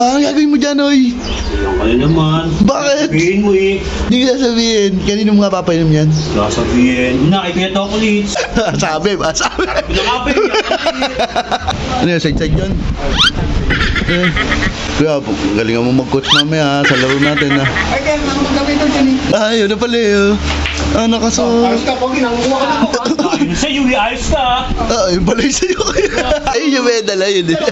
Ang gagawin mo dyan, oy? Ang kanya naman. Bakit? Sabihin mo eh. Hindi ko sasabihin. Kanino mo nga papainom yan? Sasabihin. Nakikita chocolates. Sabi. Pinakapin. Ano yun, side-side yun? Kuya, galingan mo mag-coach mamaya sa laro natin, ha? Ay, kaya naman magkabay ito dyan eh. Ay, yun na pala, eh. Nakaso. Ayos ka, Pogi, nangunguha ka na po. Ayun sa'yo, ayos ka. Yun pala yung sa'yo, kuya. Ayun yung medal, ayun, eh.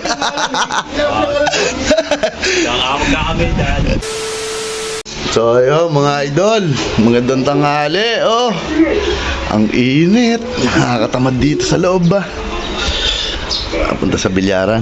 Kaya nga magkakamit dyan. So ayun mga idol, magandang tanghali. Oh, ang init. Nakakatamad dito sa loob ba? Punta sa bilyaran.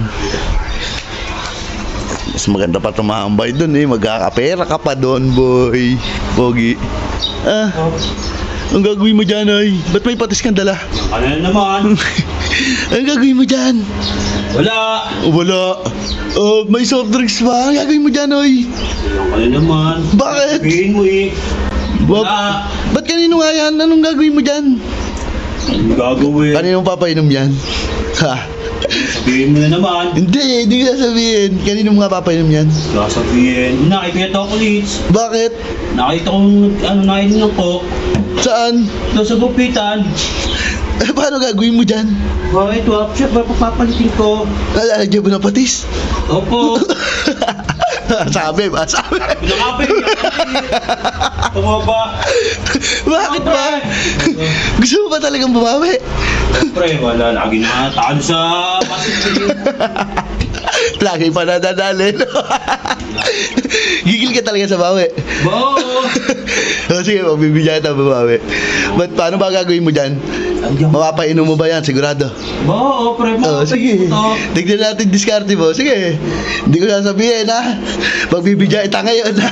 Mas maganda pa tumambay dun eh. Magkakapera ka pa doon, boy. Pogi. Ang gagawin mo dyan, ay? Ba't may patis kang dala? Ano na naman? Ang gagawin mo dyan? Wala. Wala. May soft drinks ba? Ang gagawin mo dyan, ay? Ang kanya naman. Bakit? Sabihin mo eh. Wala. Ba't kanino nga yan? Anong gagawin mo dyan? Anong gagawin? Kanino papainom yan? Ha? Sabihin mo na naman. Hindi ko sasabihin. Kanino mo nga papainom yan? Sasabihin. Nakikita chocolates. Bakit? Nakita kong nainom ng coke. Saan? Doon sa gupitan. Paano gagawin mo dyan? Bakit? Siya, papapalitin ko. Lalagyan mo ng patis? Opo. Sabi. Pinakapin. Tumaba. Bakit ba? Gusto mo ba talagang bumawi? Siyempre, wala. Lagi na talo sa basketball. Lagi pa nadadali, no? Gigil ka talaga sa bawi. Bo! Sige, magbibigyan kita bumawi. But paano ba gagawin mo dyan? Mapapainom mo ba yan? Sigurado? Bo, pre mo. Sige. Tignan natin diskarte mo. Sige. Hindi ko sasabihin, ha? Magbibigyan kita ngayon, ha?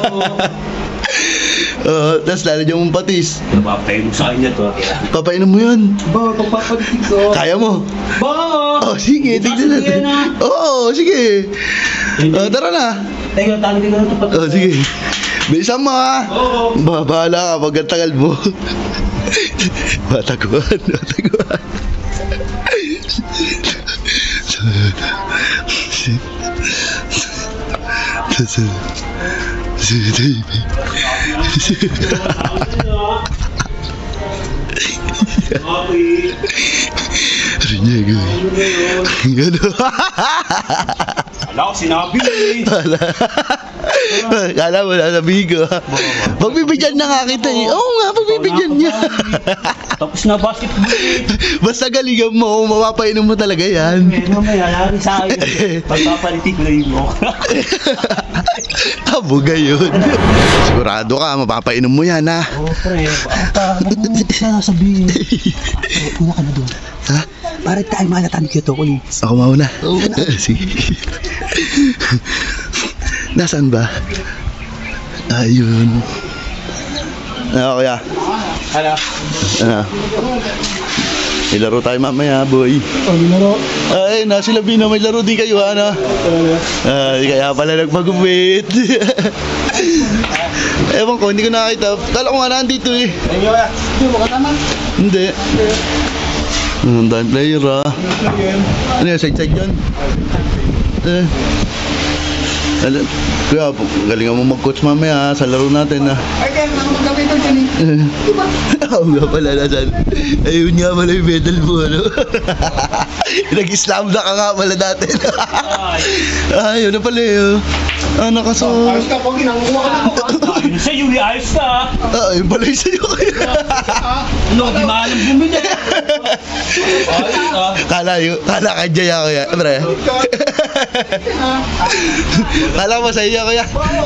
Tapos lalagyan mong patis. Napapay mo sa kanya to. Papainom mo yun. Bo, pagpapalitin ko. Kaya mo. Bo! Sige. Tignan natin. Oo, sige. Tara na. Teka, tangin ko na ito. Sige. Bilisan mo, ha? Oo. Bahala ka pag ang tagal mo. Bataguan. Rinyego. Gano? Wala ko sinabi eh. Kala mo sasabihin ko. Pagbibigyan na nga kita eh. Oo nga, pagbibigyan niya. Tapos na basketball eh. Basta galingan mo, mapapainom mo talaga yan. Mamaya, lari sa akin. Pagpapalitin ko na yung mo. Abugay yun. Sigurado ka, mapapainom mo yan, ha? Oo, pre. Ba't mo sasabihin? Una ka na doon. Ha? Para tayo malatan kito ko eh. Ako mauna. Sige. Nasaan ba? Ayun. Ano, kuya? Hala. May laro tayo mamaya, boy. Laro. Ay, nasi Labina, may laro din kayo, ano? Kaya pala nagpagupit. Ewan ko, hindi ko nakakita. Kala ko nga nandito eh. Ayun kaya. Hindi mo katama. Hindi. Ang dahil player, ah. Ano yun, side-side yun? Kuya, galingan mo mag-coach mamaya, sa laro natin, ha? Ay, kaya naman magkabay ito dyan eh. Oo nga pala, nasan? Ayun nga pala yung medal mo, ano? Nag-islam na ka nga pala natin. Ayun na pala, eh. Nakaso. Ayos ka, Pogi, nangunguha ka na po. Ayun sa'yo, ayos ka. Ayun pala yung sa'yo, kuya. Ano, di maalam bumili. Ayos ka. Kala ka dyan, kuya. Pre. Kala mo sa iyo, kuya.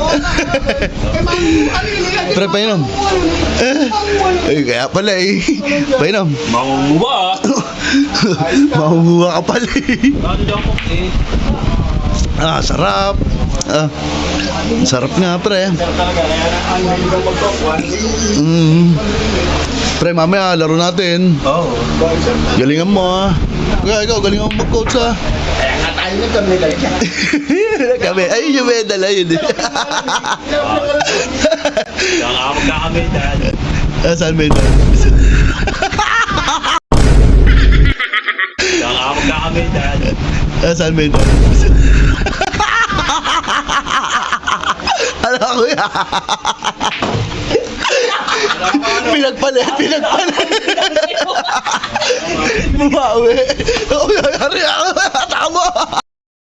Pre, painom. Ay, kaya pala eh. Painom. Mangunguha. Mahuhuwa ka pala eh. Ano dyan ko eh. Sarap. Sarap nga, pre. Pre, mamaya laro natin. Oo. Galingan mo, ha. Kaya ikaw, galingan mo mag-coach, ha. Kaya nga tayo na kami lang. Kami, ayun yung medal, ayun eh. Kaya nga magkakamit dyan. Saan medal? Kaya nga magkakamit dyan. Saan medal? kuya. Pinagpalit. Bumawi. Kuya, yari ako. Tama.